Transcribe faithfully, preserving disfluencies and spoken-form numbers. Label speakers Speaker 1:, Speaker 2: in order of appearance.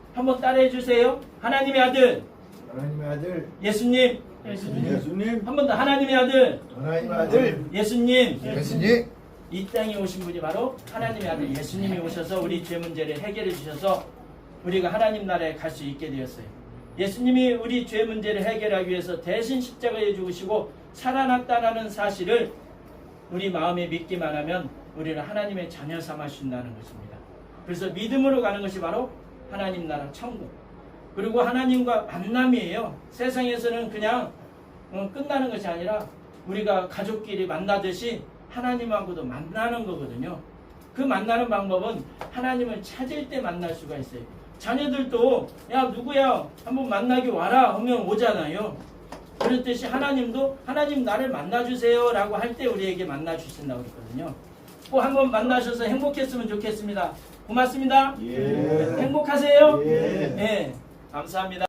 Speaker 1: 한번 따라해 주세요. 하나님의 아들
Speaker 2: 하나님의 아들
Speaker 1: 예수님.
Speaker 3: 예수님.
Speaker 2: 예수님.
Speaker 1: 한 번 더 하나님의 아들
Speaker 2: 하나님의 아들
Speaker 1: 예수님.
Speaker 2: 예수님.
Speaker 1: 이 땅에 오신 분이 바로 하나님의 아들 예수님이 오셔서 우리 죄 문제를 해결해 주셔서 우리가 하나님 나라에 갈 수 있게 되었어요. 예수님이 우리 죄 문제를 해결하기 위해서 대신 십자가에 죽으시고 살아났다는 사실을 우리 마음에 믿기만 하면 우리는 하나님의 자녀 삼아주신다는 것입니다. 그래서 믿음으로 가는 것이 바로 하나님 나라 천국. 그리고 하나님과 만남이에요. 세상에서는 그냥 끝나는 것이 아니라 우리가 가족끼리 만나듯이 하나님하고도 만나는 거거든요. 그 만나는 방법은 하나님을 찾을 때 만날 수가 있어요. 자녀들도 야 누구야 한번 만나기 와라 하면 오잖아요. 그렇듯이 하나님도 하나님 나를 만나주세요 라고 할 때 우리에게 만나주신다고 그랬거든요. 꼭 한번 만나셔서 행복했으면 좋겠습니다. 고맙습니다.
Speaker 2: 예.
Speaker 1: 행복하세요.
Speaker 2: 예.
Speaker 1: 네, 감사합니다.